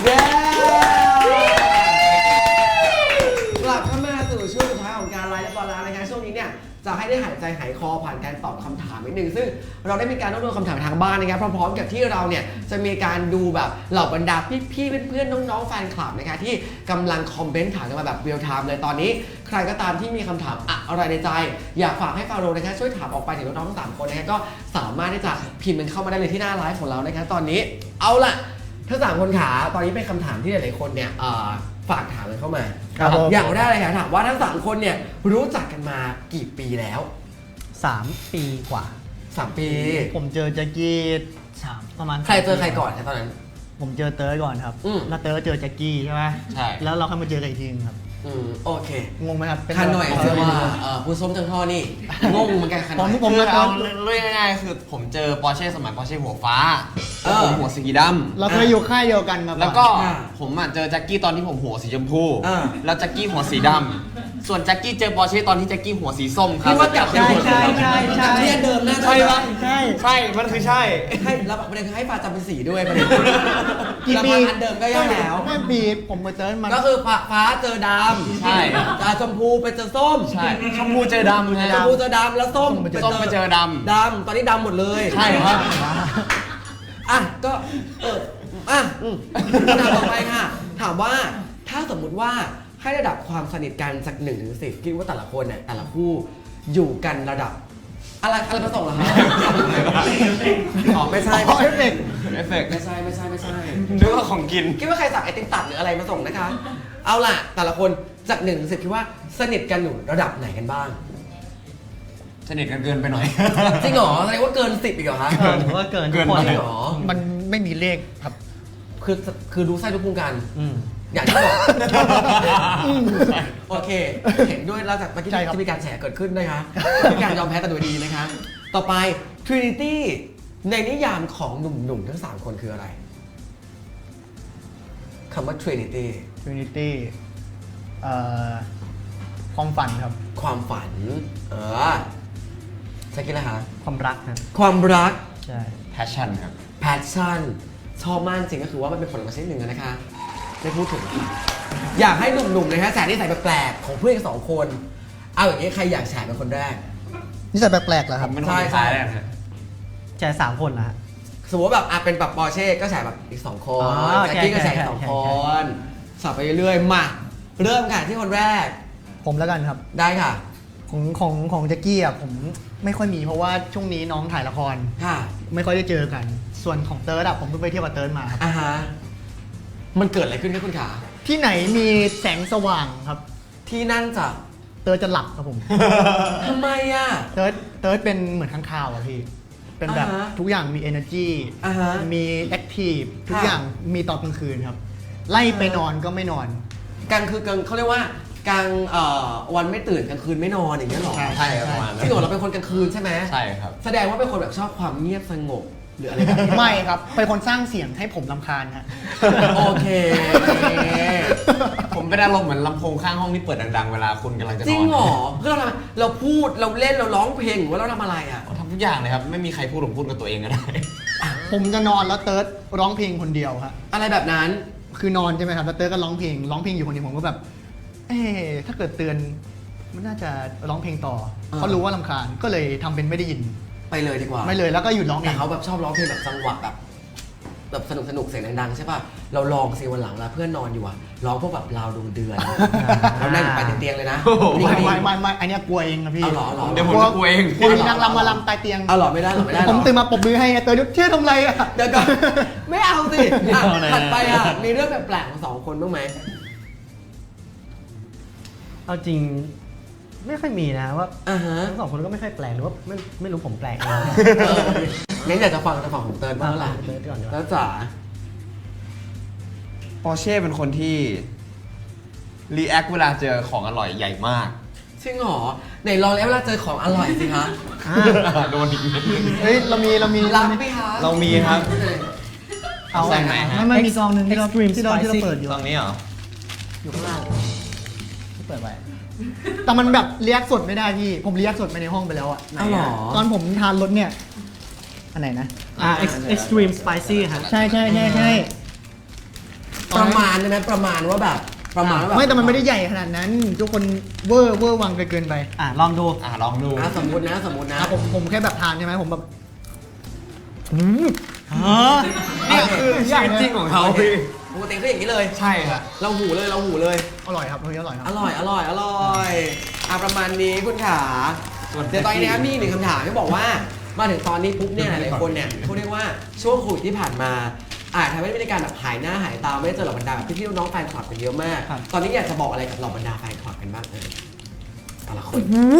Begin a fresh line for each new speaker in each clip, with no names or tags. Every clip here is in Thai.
เย้กลับเข้ามาสู่ช่วงสุดท้ายของการไลฟ์และบอลแล้วนะคะช่วงนี้เนี่ยจะให้ได้หายใจหายคอผ่านการตอบคำถามนิดนึงซึ่งเราได้มีการรวบรวมคำถามทางบ้านนะครับพร้อมๆกับที่เราเนี่ยจะมีการดูแบบเหล่าบรรดาพี่ๆเพื่อนๆน้องๆแฟนคลับนะคะที่กำลังคอมเมนต์ถามกันมาแบบเรียลไทม์เลยตอนนี้ใครก็ตามที่มีคำถามอะไรในใจอยากฝากให้ฟาโรห์นะคะช่วยถามออกไปถึงน้องๆทั้ง3คนนะคะก็สามารถที่จะพิมพ์มันเข้ามาได้เลยที่หน้าไลฟ์ของเรานะคะตอนนี้เอาล่ะทั้ง3คนขาตอนนี้เป็นคำถามที่หลายๆคนเนี่ยฝากถามกันเข้ามาอย่างแรกเลยค่ะถามว่าทั้ง3คนเนี่ยรู้จักกันมากี่ปีแล้ว
3 ปีกว่า
3 ปี
ผมเจอแจ็คกี้ประมาณ
ใครเจอใครก่อนครับตอนนั้น
ผมเจอเติร์ดก่อนครับแล้วเติร์ดเจอแจ็คกี้ใช่ไหม
ใช่
แล้วเราค่อยมาเจอกันอีกทีนึงครับ
โอเค
งงไหมครับ
คันหน่อยเชื่อว่าผู้ส้มจังท่อนี่งงเหมือนกันคันหน่อย
ผมเอาเรื่องง่ายๆคือผมเจอปอร์เช่สมัยปอร์เช่หัวฟ้าผมหัวสีดำ
เราเคยอยู่ค่ายเดียวกันมา
แล้วก็ผมเจอแจ็คกี้ตอนที่ผมหัวสีชมพูแล้วแจ็คกี้หัวสีดำส่วนแจ็คกี้เจอปอร์เช่ตอนที่แจ็คกี้หัวสีส้มครับ
ที่ว่ากลับ
ใช่
ที่เดิมน่า
ใช่ปะใช่มันคือใช่
ให้แล้วประเด็นคือให้ฟ้าจำเป็นสีด้วยประเด็น
กี่ปี
อันเดิมก็ยังแล้ว
ไม่ปีผมไปเจอมัน
ก็คือฟ้าเจอดำ
ใช่
ชมพูไปเจอส้ม
ใช่ชมพูเจอดำ
ชมพูเจอดำแล้วส้ม
ไปเจอดำ
ตอนนี้ดำหมดเลย
ใช่ครับ
ก็ถามต่อไปค่ะถามว่าถ้าสมมุติว่าให้ระดับความสนิทกันจาก1 ถึง 10คิดว่าแต่ละคนเนี่ยแต่ละคู่อยู่กันระดับอะไรประสงค์เหรอคะไม่ใช่
เอฟเฟก
ไม่ใช่
นึกว่าของกิน
คิดว่าใครสั่งไอติมตัดหรืออะไรมาส่งนะคะเอาล่ะแต่ละคนจาก1 ถึง 10คิดว่าสนิทกันอยู่ระดับไหนกันบ้าง
สนิทกันเกินไปหน่อย
จริงเหรอแสดงว่าเกิน10อีกเหรอคะ
ผมว่าเกิน
จริงเหรอ
มันไม่มีเลขครับ
คือรู้ไส้รู้พุงกันอย่างที่บอกโอเคเห็นด้วยแล้วจากเมื่อกี้ที่มีการแฉเกิดขึ้นนะคะมีการยอมแพ้แต่โดยดีนะคะต่อไป Trinity ในนิยามของหนุ่มๆทั้ง3คนคืออะไรคำว่า Trinity
ความฝันครับ
ความฝันใช่กี่แล้วคะ
ความรักครับ
ความรัก
ใช่
passion ครับ
passion ชอบมากจริงก็คือว่ามันเป็นผลลัพธ์ชนิดหนึ่งนะคะไม่พูดถึงอยากให้หนุ่มๆนะฮะแชร์นิสัยแปลกๆของเพื่อน2 คนเอาอย่างนี้ใครอยากแชร์เป็นคนแรก
นิสัยแปลกๆเหรอครับ
ใช่
แชร์3 คนนะฮะ
สมมติแบบเป็นแบบปอร์เช่ก็แชร์แบบอีก2 คนแจ็คกี้ก็แชร์2 คนสับไปเรื่อยๆมาเริ่มกันที่คนแรก
ผมแล้วกันครับ
ได้ค่ะ
ของแจ็คกี้ผมไม่ค่อยมีเพราะว่าช่วงนี้น้องถ่ายละครไม่ค่อยได้เจอกันส่วนของเติร์ดผมเพิ่งไปเที่ยวกับเติร์ดมาครับ
มันเกิดอะไรขึ้นครับคุณขา
ที่ไหนมีแสงสว่างครับ
ที่นั่นจะ
เติร์ดจะหลับครับผม
ทำไม
เติร์ดเป็นเหมือนข้างคาวพี่เป็นแบบทุกอย่างมี energy มี active ทุกอย่างมีตอนกลางคืนครับไล่ไปนอนก็ไม่นอน
กลางคืนเขาเรียกว่ากลางวันไม่ตื่นกลางคืนไม่นอนอย่างเงี้ยหรอ
ใช่ครับประมาณ
ที่เราเป็นคนกลางคืนใช่ไหม
ใช่ครับ
แสดงว่าเป็นคนแบบชอบความเงียบสงบหรืออะไร
ไม่ครับเป็นคนสร้างเสียงให้ผมรำคาญฮะ
โอเค
ผมเป็นอารมณ์เหมือนลำโพงข้างห้องที่เปิดดังๆเวลาคุณกำลังจะนอน
จริงเหรอเพื่อเราพูดเราเล่นเราร้องเพลงหรือว่าเราทำอะไร
ทำทุกอย่างเลยครับไม่มีใครพูดผมพูดกับตัวเองก็ได้
ผมจะนอนแล้วเติร์ดร้องเพลงคนเดียวครับ
อะไรแบบนั้น
คือนอนใช่ไหมครับแล้วเติร์ดก็ร้องเพลงอยู่คนเดียวผมก็แบบถ้าเกิดเตือนมันน่าจะร้องเพลงต่อเขารู้ว่ารำคาญก็เลยทำเป็นไม่ได้ยิน
ไปเลยดีกว่า
ไม่เลยแล้วก็หยุดร้องเอง
แต่เขาแบบชอบร้องเพลงแบบจังหวะแบบสนุกเสียงดังๆใช่ป่ะเราลองสิวันหลังเพื่อนนอนอยู่ร้องพวกแบบราวดวงเดือนเรานั่งไปเตียงเลยนะ
ไม่อันนี้กลัวเองนะพี่
เดี๋ยวผมกลัวเอง
กลัวมีนางรำมาลำตายเตียง
หรอไม่ได้
ผมตื่นมาปรบมือให้เตยเชื่อทำไร
เดี๋ยวก่อนไม่เอาสิถัดไปมีเรื่องแบบแปลกของ2 คนบ้างไหม
เอาจริงไม่ค่อยมีนะว่าทั้ง2 คนก็ไม่ค่อยแปลกหรือว่าไม่รู้ผมแปลก
งั้นอยากจะฟังของเติร์ดบ้างล่ะแล้วจ๋า
ปอร์เช่เป็นคนที่รีแอคเวลาเจอของอร่อยใหญ่มาก
จริงเหรอไหนลองแล้วเวลาเจอของอร่อยสิคะ
โดนอีก
เฮ้ยเรามี
รับไหมคะ
เรามีครับ
เอาใส่ไหนฮะมันมีซองนึงที่เราเปิดอยู่
ซองนี้เหรอ
อยู่ข้างล่างที่เปิดไว้แต่มันแบบเรียกสดไม่ได้พี่ผมเรียกสดไปในห้องไปแล้วตอนผมทานรสเนี่ยอันไหนนะ
extreme spicy ครับ
ใช่
ประมาณใช่ไหมประมาณว่าแบบประมาณว่าแบบ
ไม่แต่มันไม่ได้ใหญ่ขนาดนั้น ทุกคนเวอร์วังเกินไปลองดู
ลองดู
สมมตินะ
ผมแค่แบบทานใช่ไหมผมแบบ
นี่คือชีวิตจริงของเขา
ปกติก็อย่างนี้เลย
ใช่ครับ
เราหูเลย
อร่อยครับอร่อยครับ
อร่อยประมาณนี้คุณขาเดี๋ยวตอนนี้นะครับมีหนึ่งคำถามที่บอกว่ามาถึงตอนนี้ปุ๊บเนี่ยหลายๆคนเนี่ยเขาเรียกว่าช่วงโควิดที่ผ่านมาอาจทำให้ไม่ได้การแบบหายหน้าหายตาไม่ได้เจอเหล่าบรรดาแบบพี่ๆน้องๆแฟนคลับกันเยอะมาก ตอนนี้อยากจะบอกอะไรกับเหล่าบรรดาแฟนคลับกันบ้างแต่ละคน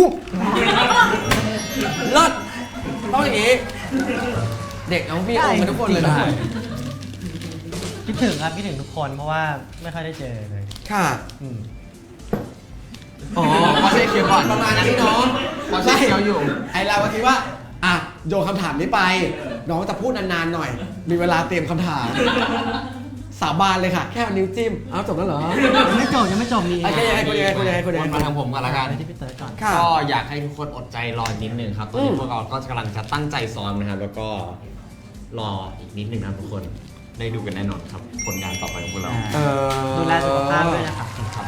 เลิศต้องอย่างนี้ เด็กเอาพี่องกันทุกคนเลยนะ
คิดถึงครับคิดถึงทุกคนเพราะว่าไม่ค่อยได้เจอเลย
ค่ะ
อืม
อ๋อพอเช็คเคียวก่อนประมาณนี้เนาะ
พอเช็คเคี้ยวอยู่
ไอเราก็คิดว่าอ่ะโยนคำถามนี้ไป น้องจะพูดนานๆหน่อย มีเวลาเตรียมคำถาม สาบานเลยค่ะ แค่เอานิ้วจิ้มเอาจบแล้วเหรอ
ยังไม่จบมี
ไอ้ยังไงคุณยังไง
วนมาทางผมกันละกัน
ไปที่พี่เติร์ดก่อน
ค่ะ
ก็อยากให้ทุกคนอดใจรอนิดนึงครับ ตอนนี้พวกเราก็กำลังจะตั้งใจซ้อมนะครับ แล้วก็รออีกนิดนึงนะครับทุกคน ได้ดูกันแน่นอนครับ ผลงานต่อไปของพวกเรา
ดูแลสุขภาพด้วยนะครับ
ครับ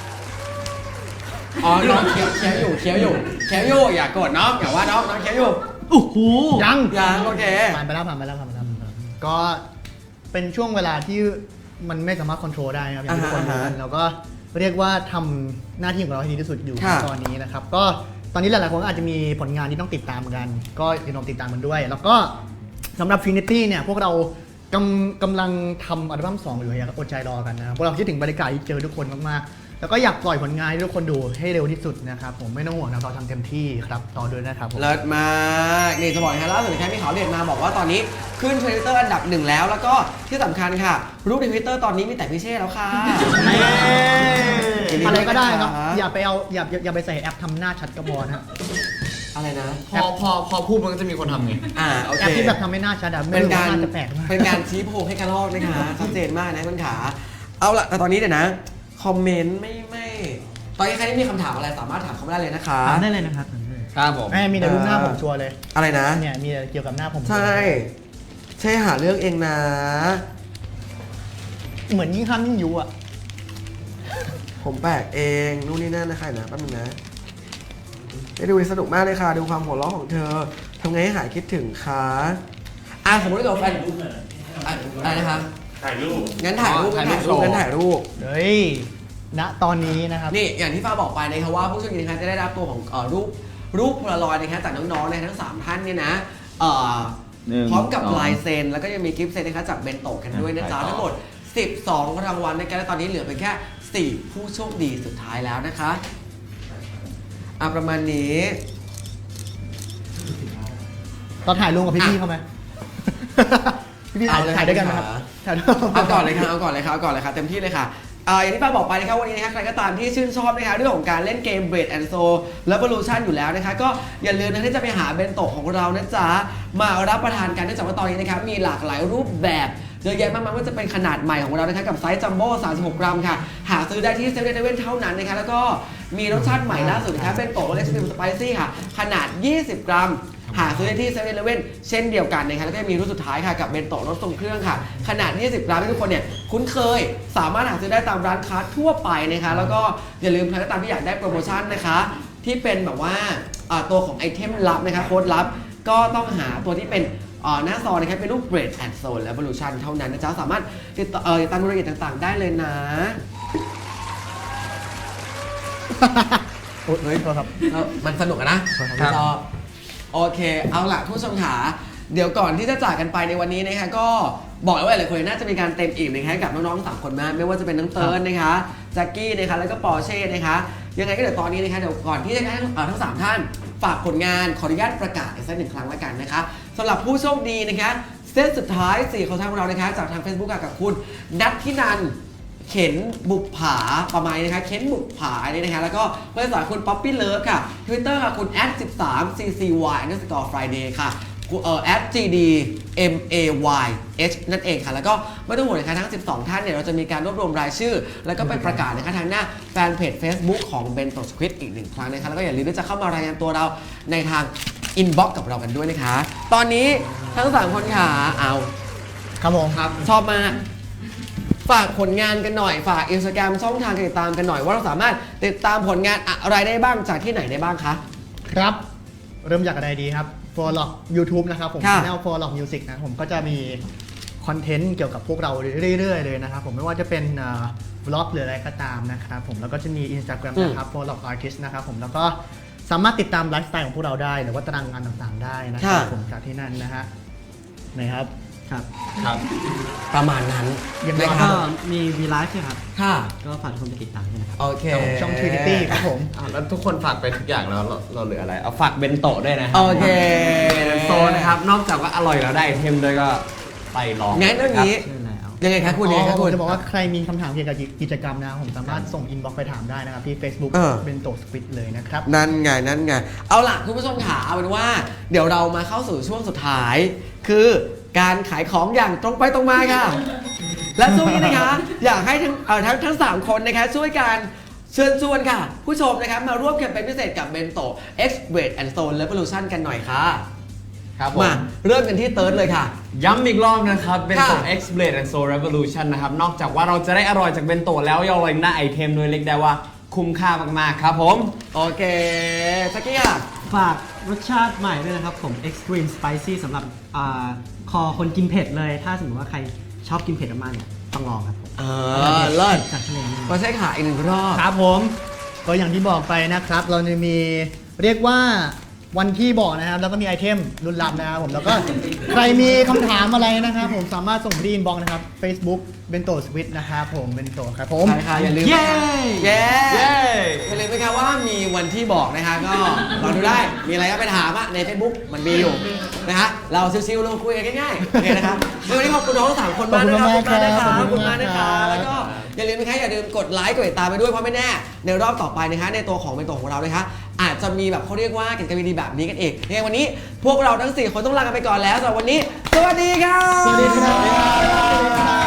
อ๋อน้องเคี้ยวอยู่อย่ากดน้องอย่าว่าน้องเคี้ยวอยู่
โอ้โห
ยังโอเค
ผ่านไปแล้วก็เป็นช่วงเวลาที่มันไม่สามารถควบคุมได้นะครับอย่างที่ทุกคนรู้กันแล้วก็เรียกว่าทำหน้าที่ของเราให้ดีที่สุดอยู่ตอนนี้นะครับก็ตอนนี้หลายๆคนก็อาจจะมีผลงานที่ต้องติดตามกัน ก็อย่าลืมติดตามมันด้วย แล้วก็สำหรับ Trinity เนี่ยพวกเรากำลังทำอัลบั้ม2อยู่อยากอดใจรอกันนะครับพวกเราคิดถึงบรรยากาศที่เจอทุกคนมากๆแล้วก็อยากปล่อยผลงานให้ทุกคนดูให้เร็วที่สุดนะครับผมไม่ต้องห่วงนะเราทำเต็มที่ครับต่อด้วยนะครับผม
เลิศมากนี่จะบอกนะล่าสุดแค่มีข่าวเด็ดมาบอกว่าตอนนี้ขึ้น Twitter อันดับ1แล้วก็ที่สำคัญค่ะรูปใน Twitter ตอนนี้มีแต่พี่เช่แล้วค่ะ
อะไรก็ได้ครับอย่าไปใส่แอปทำหน้าชัดกระบอกนะ
อะไรนะ
พอพูดมันก็จะมีคนทำไง
โอเค
แอปที่แบบทำให้หน้าชัดอะไม่
เป็น
รู้
การ
ว่าน่าจะแปลกมาก
เป็นการชี้โพงให้กระลอกนะคะชัดเจนมากนะคุณขาเอาละแต่ตอนนี้เดี๋ยวนะคอมเมนต์ไม่ตอนนี้ใครที่มีคำถามอะไรสามารถถามเขาได้เลยนะคะ
ถามได้เลยนะครับถามได้เลย
ครับผม
มีแต่รูปหน้าผมชัวร์เลย
อะไรนะ
เนี่ยมีแต่เกี่ยวกับหน้าผม
ใช่หาเรื่องเองนะ
เหมือนยิ่งข้ามยิ่งยุอะ
ผมแปลกเองนู่นนี่นั่นนะคะนะแป๊บนึงนะได้ดูสนุกมากเลยค่ะดูความหัวเราะของเธอทำไงให้หายคิดถึงคะสมมติว่าเราแฟนอะไรนะคะถ่ายรูปงั้นถ่ายรูป
เฮ้ยณตอนนี้นะครับ
นี่อย่างที่ฟ้าบอกไปนะครับว่าผู้โชคดีนะครับจะได้รับตัวของรูปโพลารอยด์นะครับจากน้องๆนะทั้ง3ท่านเนี่ยนะพร้อมกับลายเซ็นแล้วก็ยังมีกิฟต์เซ็นนะครับจากเบนโตะกันด้วยนะจ๊ะทั้งหมด12รางวัลนะครับและตอนนี้เหลือเพียงแค่4ผู้โชคดีสุดท้ายแล้วนะคะประมาณนี้
ตอนถ่ายลงกับพี่ๆเขาไหม พี่ๆถ่ายด้วยกันไหมครับถ่ายด้วย
เอาก่อนเลยค่ะเต็มที่เลยค่ะอย่างที่ป้าบอกไปนะครับวันนี้นะครับใครก็ตามที่ชื่นชอบนะคะเรื่องของการเล่นเกม Bread and Soul Revolution อยู่แล้วนะคะก็อย่าลืมนะที่จะไปหาเบนโตะของเรานะจ๊ะมารับประทานกันเนื่องจากว่าตอนนี้นะครับมีหลากหลายรูปแบบเยอะแยะมากมายว่าจะเป็นขนาดใหม่ของเรานะคะกับไซส์จัมโบ้36 กรัมค่ะหาซื้อได้ที่เซเว่นเท่านั้นนะคะแล้วก็มีรสชาติใหม่ล่าสุดนะคะเบนโตะเล็กซ์ตรีมสไปซี่ค่ะขนาด20 กรัมหาซื้อได้ที่เซเว่นเช่นเดียวกันนะคะแล้วก็มีรุ่นสุดท้ายค่ะกับเบนโตะรสทรงเครื่องค่ะขนาด20 กรัมที่ทุกคนเนี่ยคุ้นเคยสามารถหาซื้อได้ตามร้านค้าทั่วไปนะคะแล้วก็อย่าลืมใครก็ตามที่อยากได้โปรโมชั่นนะคะที่เป็นแบบว่าตัวของไอเทมลับนะคะโค้ดลับก็ต้องหาตัวที่เป็นหน้าซองนะครับเป็นรูป Bread and Soul Revolution เท่านั้นนะจ๊ะสามารถติดตามรายละเอียดต่างๆได้เลยนะ
เฮ้ยโทษครับ
มันสนุกอะนะชอบโอเคเอาล่ะผู้ชมขาเดี๋ยวก่อนที่จะจากกันไปในวันนี้นะคะก็บอกเลยว่าหลายคนน่าจะมีการเต็มอิ่มนะคะกับน้องๆ3คนมากไม่ว่าจะเป็นน้องเติร์นนะคะแจ็คกี้นะคะแล้วก็ปอร์เช่นะคะยังไงก็เดี๋ยวตอนนี้นะคะเดี๋ยวก่อนที่จะให้ทั้ง3ท่านฝากผลงานขออนุญาตประกาศอีกสัก1ครั้งแล้วกันนะคะสำหรับผู้โชคดีนะคะเซตสุดท้าย4ของทางเรานะคะจากทาง Facebook กับคุณนัทธินันเข็นบุกผาประมาณนี้นะคะเข็นบุกผานี่นะคะแล้วก็เพื่อนสาวคุณป๊อปปี้เลิฟค่ะ Twitter ค่ะคุณ @13ccy_friday ค่ะ@gdmayh นั่นเองค่ะแล้วก็ไม่ต้องห่วงนะคะทั้ง12ท่านเนี่ยเราจะมีการรวบรวมรายชื่อแล้วก็ไปประกาศนะคะทางหน้าแฟนเพจ Facebook ของ Bento Squid อีก1ครั้งนะคะแล้วก็อย่าลืมที่จะเข้ามารายงานตัวเราในทาง inbox กับเรากันด้วยนะคะตอนนี้ทั้ง3คนค่ะเอา
ครับผม
ครับชอบมากฝากผลงานกันหน่อยฝาก Instagram ช่องทางการติดตามกันหน่อยว่าเราสามารถติดตามผลงานอะไรได้บ้างจากที่ไหนได้บ้างคะ
ครับ เริ่มจากอะไรดีครับ For Lock YouTube นะครับผม
ค่ะ
channel For Lock Music นะผมก็จะมีคอนเทนต์เกี่ยวกับพวกเราเรื่อยๆเลยนะครับผมไม่ว่าจะเป็นวล็อกหรืออะไรก็ตามนะครับผมแล้วก็จะมี Instagram นะครับ For Lock Artist นะครับผมแล้วก็สามารถติดตามไลฟ์สไตล์ของพวกเราได้หรือว่าตารางงานต่างๆได้นะครับ
ค่ะ
ผมจากที่นั่นนะฮะนะครับ
ครับ
ครับ
ประมาณนั้น
ยังไง
นะค
ครั
รับ
ก็มีวีไลฟ์ด้วยครับ
ค่ะ
ก็ฝากทุกคนไปติดตามด้วยนะครับ
โอเค
ช่อง Trinity ครับผม
แล้วทุกคนฝากไปทุกอย่างแล้วเราเหลืออะไร เอาฝากเบนโตะด้วยนะครั
โอเค
เป็นโซนนะครับ นอกจากว่าอร่อยแล้วได้ไอเทมด้วยก็ไปลอง
งั้นเรื่องนี้
ใช่แล้ว
ยังไงคะคุณยังไงคะ
ผ
คุ
ม
ณ
จะบอกว่าใครมีคำถามเกี่ยวกับกิจกรรมนะผมสามารถส่งอินบ็อกซ์ไปถามได้นะครับที่ Facebook
เออ
เป็นโตสควิดเลยนะครับ
นั่นไงเอาล่ะคุณผู้ชมขาเอาเป็นว่าเดี๋ยวเรามาเข้าสู่ช่วงสุดท้าย คือการขายของอย่างตรงไปตรงมาค่ะ และช่วงนี้นะคะอยากให้ทั้ง3คนนะคะช่วยกันเชิญชวนค่ะ ผู้ชมนะครับมาร่วมแคมเปญพิเศษกับเบนโต X Weight and Stone Revolution กันหน่อยค่ะ
ครับผม
มาเริ่มกันที่เติร์ดเลยค่ะ
ย้ำอีกรอบนะครับเบนโตะ
ค่ะ
X Blade and Soul Revolution นะครับ นอกจากว่าเราจะได้อร่อยจากเบนโตะแล้วยังอร่อยหน้าไอเทมด้วยเรียกได้ว่าคุ้มค่ามากๆครับผม
โอเคสักกี้ค่ะ
ฝากรสชาติใหม่ด้วยนะครับผม Extreme Spicy สำหรับคอคนกินเผ็ดเลย ถ้าสมมติว่าใครชอบกินเผ็ดมากๆเนี่ยต้องลองครับผม
เลิศ
จากทะเลนี่
ก็ใช่ค่ะอีกหนึ่งรอบ
ครับผมก็อย่างที่บอกไปนะครับ เราจะมีเรียกว่าวันที่บอกนะครับ แล้วก็มีไอเทมรุ่นลับนะครับผมแล้วก็ใครมีคำถามอะไรนะครับผมสามารถส่งที่อินบ็อกซ์นะครับ Facebook เบนโตสวิตนะครับผมเบนโตครับผม
ใช่ค่ะอย่าลืม
เย้
เย้
เย้
อย่าลืมนะคะว่ามีวันที่บอกนะคะก็ลองดูได้มีอะไรก็ไปถามอะใน Facebook มันมีอยู่นะฮะเราชิวๆลงคุยกันง่ายๆโอเคนะครับวันนี้ขอบคุณน้องทั้งสามคนมากนะครับ
ขอบคุณมากครับ
ขอบคุณมากนะ
ขอบคุณมากครั
คะ
บ
แล้วก็อย่าลืมนะคะอย่าลืมกดไลค์กดติดตามไปด้วยเพราะไม่แน่ในรอบต่อไปนะคะในตัวของเป็นตัวของเรานะคะอาจจะมีแบบเขาเรียกว่ากิจกรรมดีๆแบบนี้กันอีกยังไงวันนี้พวกเราทั้ง4คนต้องลากันไปก่อนแล้วสำหรับวันนี้ สวัสดีครับ
สวัสดีครับ